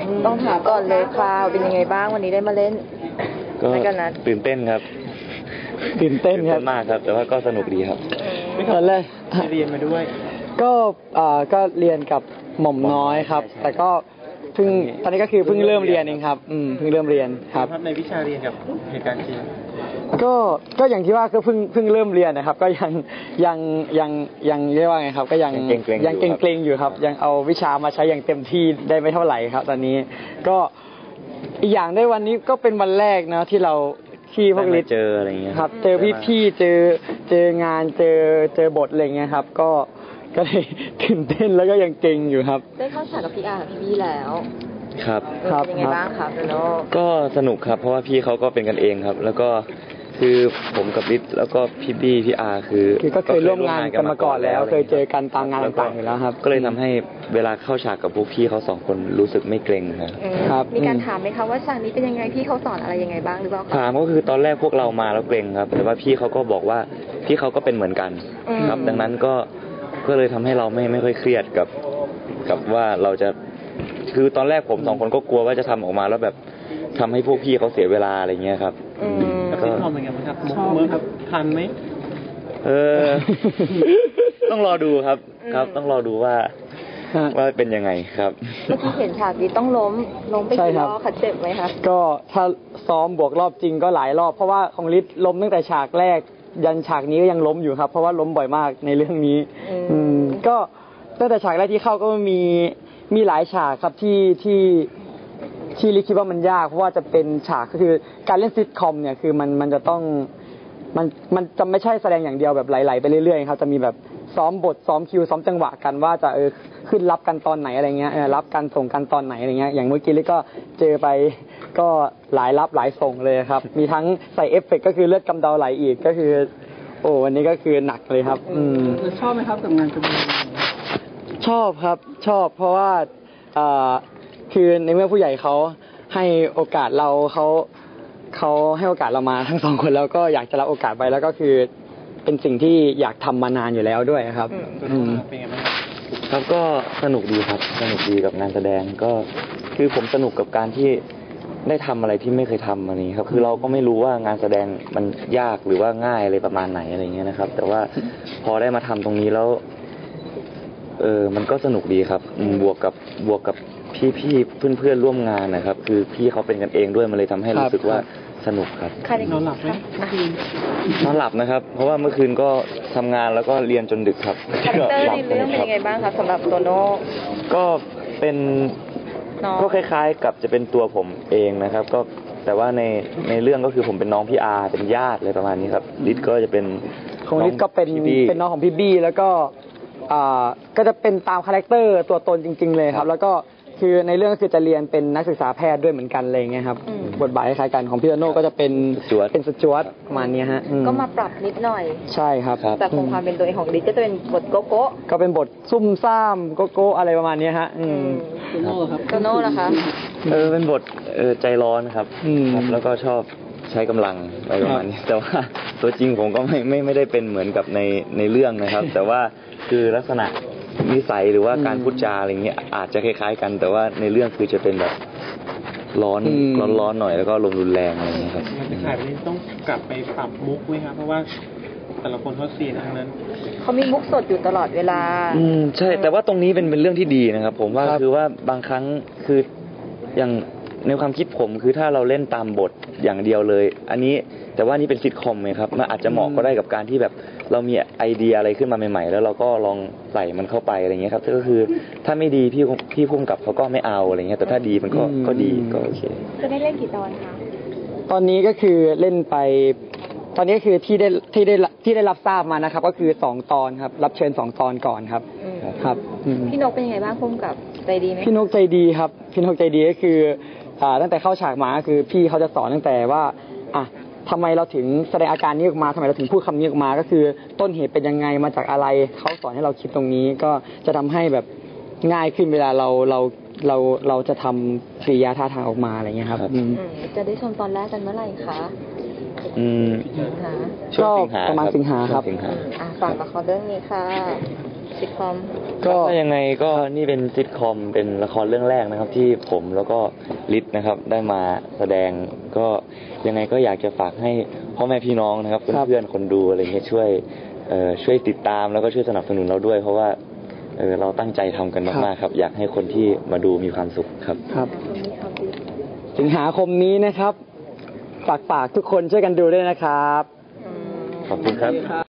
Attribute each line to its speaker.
Speaker 1: ต้องถามก่อนเลยคราวเป็นยังไงบ้างวันนี้ได้มาเล่น
Speaker 2: ก็ตื่นเต้นครับ
Speaker 3: ตื่นเต้นครับ
Speaker 2: มากครับแต่ว่าก็สนุกดีครับ
Speaker 3: ตอนแรก
Speaker 4: เรียนมาด้วย
Speaker 3: ก็เรียนกับหม่อมน้อยครับแต่ก็เพิ่งตอนนี้ก็คือเพิ่งเริ่มเรียนเองครับเพิ่งเริ่มเรียนครับ
Speaker 4: ในวิชาเรียนกับเหตุการณ์จริง
Speaker 3: ก็อย่างที่ว่าก็เพิ่งเริ่มเรียนนะครับก็ยังเรียกว่าไงครับก็ยังเกรงอยู่ครับยังเอาวิชามาใช้อย่างเต็มที่ได้ไม่เท่าไหร่ครับตอนนี้ก็อีกอย่างได้วันนี้ก็เป็นวันแรกนะที่เราที่พวกลิศ
Speaker 2: เจออะไรเงี้ย
Speaker 3: ครับเจอพี่ๆเจองานเจอบทอะไรเงี้ยครับก็เลยตื่นเต้นแล้วก็ยังเกรงอยู่ครับ
Speaker 1: ได้เข้าฉากกับพี่อาร์พี่แล้ว
Speaker 2: ครับ
Speaker 1: เป็นยังไงบ้างครับโน
Speaker 2: ก็สนุกครับเพราะว่าพี่เขาก็เป็นกันเองครับแล้วก็คือผมกับลิศแล้วก็พี่บี้พี่อาร์คือ
Speaker 3: ก็เคยร่วมงานกันมาก่อนแล้วเคยเจอกันตามงานต่างๆอยู่แล้วครับ
Speaker 2: ก็เลยทำให้เวลาเข้าฉากกับพวกพี่เขาสองคนรู้สึกไม่เกรง
Speaker 1: ครับมีการถามไหมคะว่าฉากนี้เป็นยังไงพี่เขาสอนอะไรยังไงบ้างหรือเปล่า
Speaker 2: ถามก็คือตอนแรกพวกเรามาแล้วเกรงครับแต่ว่าพี่เขาก็บอกว่าพี่เขาก็เป็นเหมือนกันครับดังนั้นก็เลยทำให้เราไม่ค่อยเครียดกับว่าเราจะคือตอนแรกผมสองคนก็กลัวว่าจะทำออกมาแล้วแบบทำให้พวกพี่เขาเสียเวลาอะไรเงี้ยครับ
Speaker 4: ก็ทำเป็นไงบ้างครับเมื่อครับทันไหม
Speaker 2: ต้องรอดูครับต้องรอดูว่าเป็นยังไงครับ
Speaker 1: เมื่อกี้เห็นฉากนี้ต้องล้มไปกี่รอบเจ็บไหมคะ
Speaker 3: ก็ถ้าซ้อมบวกรอบจริงก็หลายรอบเพราะว่าของลิศล้มตั้งแต่ฉากแรกยันฉากนี้ก็ยังล้มอยู่ครับเพราะว่าล้มบ่อยมากในเรื่องนี้ก็ตั้งแต่ฉากแรกที่เข้าก็มีหลายฉากครับที่ลิศคิดว่ามันยากเพราะว่าจะเป็นฉากก็คือการเล่นซิทคอมเนี่ยคือมันจะต้องมันจะไม่ใช่แสดงอย่างเดียวแบบไหลๆไปเรื่อยๆครับจะมีแบบซ้อมบทซ้อมคิวซ้อมจังหวะกันว่าจะขึ้นรับกันตอนไหนอะไรเงี้ยรับกันส่งกันตอนไหนอะไรเงี้ยอย่างเมื่อกี้ลิศก็เจอไปก็หลายรับหลายส่งเลยครับมีทั้งใส่เอฟเฟกต์ก็คือเลือดกำเดาไหลอีกก็คือโอ้วันนี้ก็คือหนักเลยครับ
Speaker 4: ชอบไหมครับกับงานแสดง
Speaker 3: ชอบครับชอบเพราะว่าคือในเมื่อผู้ใหญ่เขาให้โอกาสเราเขาให้โอกาสเรามาทั้งสองคนแล้วก็อยากจะรับโอกาสไปแล้วก็คือเป็นสิ่งที่อยากทำมานานอยู่แล้วด้วยครับ
Speaker 4: เป็นไงบ้าง
Speaker 2: ครับก็สนุกดีครับสนุกดีกับงานแสดงก็คือผมสนุกกับการที่ได้ทำอะไรที่ไม่เคยทำอันนี้ครับคือเราก็ไม่รู้ว่างานแสดงมันยากหรือว่าง่ายอะไรประมาณไหนอะไรเงี้ยนะครับแต่ว่าพอได้มาทำตรงนี้แล้วมันก็สนุกดีครับบวกกับพี่เพื่อนร่วมงานนะครับคือพี่เขาเป็นกันเองด้วยมันเลยทำให้รู้สึกว่าสนุกครับ
Speaker 4: นอนหลับไหม
Speaker 2: นอนหลับนะครับเพราะว่าเมื่อคืนก็ทำงานแล้วก็เรียนจนดึกครับ
Speaker 1: คาแรคเตอร์ในเรื่องเป็นยังไงบ้างครับสำหรับโตโน่
Speaker 2: ก็เป็นก็คล้ายๆกับจะเป็นตัวผมเองนะครับก็แต่ว่าในเรื่องก็คือผมเป็นน้องพี่อาร์เป็นญาติอะไรประมาณนี้ครับลิศก็จะเป็น
Speaker 3: ของลิศก็เป็นน้องของพี่บี้แล้วก็จะเป็นตามคาแรคเตอร์ตัวตนจริงๆเลยครับแล้วก็คือในเรื่องก็คือจะเรียนเป็นนักศึกษาแพทย์ด้วยเหมือนกันเลยไงครับบทบาทคล้ายกันของพี่โตโน่ก็จะเป็นสจ๊วตประมาณนี้ฮะ
Speaker 1: ก็มาปรับนิดหน่อย
Speaker 3: ใช่ครับ
Speaker 1: แต่คงความเป็นตัวเองของลิศก็จะเป็นบทโกโก้
Speaker 3: ก็เป็นบทซุ่มซ่ามโกโก้อะไรประมาณนี้ฮะ
Speaker 4: โตโน่ครับ
Speaker 1: โตโน่นะคะ
Speaker 2: เป็นบทใจร้อนครับแล้วก็ชอบใช้กำลังอะไรประมาณนี้แต่ว่าตัวจริงผมก็ไม่ได้เป็นเหมือนกับในเรื่องนะครับแต่ว่าคือลักษณะนิสัยหรือว่าการพูดจาอะไรเงี้ยอาจจะคล้ายๆกันแต่ว่าในเรื่องคือจะเป็นแบบร้อนหน่อยแล้วก็ลมรุนแรงอะไรเงี้ยครับ
Speaker 4: ถ่ายไปนี้ต้องกลับไปปรับมุกไหมครับเพราะว่าแต่ละคนเขาเสียทั้งนั้น
Speaker 1: เขามีมุกสดอยู่ตลอดเวลา
Speaker 2: ใช่แต่ว่าตรงนี้เป็นเรื่องที่ดีนะครับผมว่าคือว่าบางครั้งคืออย่างในความคิดผมคือถ้าเราเล่นตามบทอย่างเดียวเลยอันนี้แต่ว่านี่เป็นซิทคอมไงครับมันอาจจะเหมาะก็ได้กับการที่แบบเรามีไอเดียอะไรขึ้นมาใหม่ๆแล้วเราก็ลองใส่มันเข้าไปอะไรเงี้ยครับก็คือถ้าไม่ดีพี่พุ่มกับเขาก็ไม่เอาอะไรเงี้ยแต่ถ้าดีมันก็ดีก็โอเค
Speaker 1: จะได้เล่นกี่ตอนคะ
Speaker 3: ตอนนี้ก็คือเล่นไปตอนนี้คือที่ได้รับทราบมานะครับก็คือ2 ตอนครับรับเชิญ2 ตอนก่อนครับครับ
Speaker 1: พี่นกเป็นยังไงบ้างพุ่มกับใจดีไหม
Speaker 3: พี่นกใจดีครับพี่นกใจดีก็คือตั้งแต่เข้าฉากมาคือพี่เขาจะสอนตั้งแต่ว่าทำไมเราถึงแสดงอาการนี้ออกมาทำไมเราถึงพูดคำนี้ออกมาก็คือต้นเหตุเป็นยังไงมาจากอะไรเขาสอนให้เราคิดตรงนี้ก็จะทำให้แบบง่ายขึ้นเวลาเราจะทำกิริยาท่าทางออกมาอะไรเงี้ยครับ
Speaker 1: จะได้ชมตอนแรกกันเมื่อไหร่คะ
Speaker 3: ก็ประมาณสิงหาครับ
Speaker 1: ฝากละครเรื่องนี้ค่ะซิทคอม
Speaker 3: ก็
Speaker 2: ยังไงก็นี่เป็นซิทคอมเป็นละครเรื่องแรกนะครับ ที่ผมแล้วก็ลิศนะครับได้มาแสดงก็ยังไงก็อยากจะฝากให้พ่อแม่พี่น้องนะครับ
Speaker 3: ครับ
Speaker 2: เพื่อนๆคนดูอะไรเงี้ยช่วยติดตามแล้วก็ช่วยสนับสนุนเราด้วย เพราะว่าเราตั้งใจทำกันมากๆครับ อยากให้คนที่มาดูมีความสุขครับ
Speaker 3: ครับ สิงหาคมนี้นะครับฝากทุกคนช่วยกันดูด้วยนะครับ
Speaker 2: ขอบคุณครับ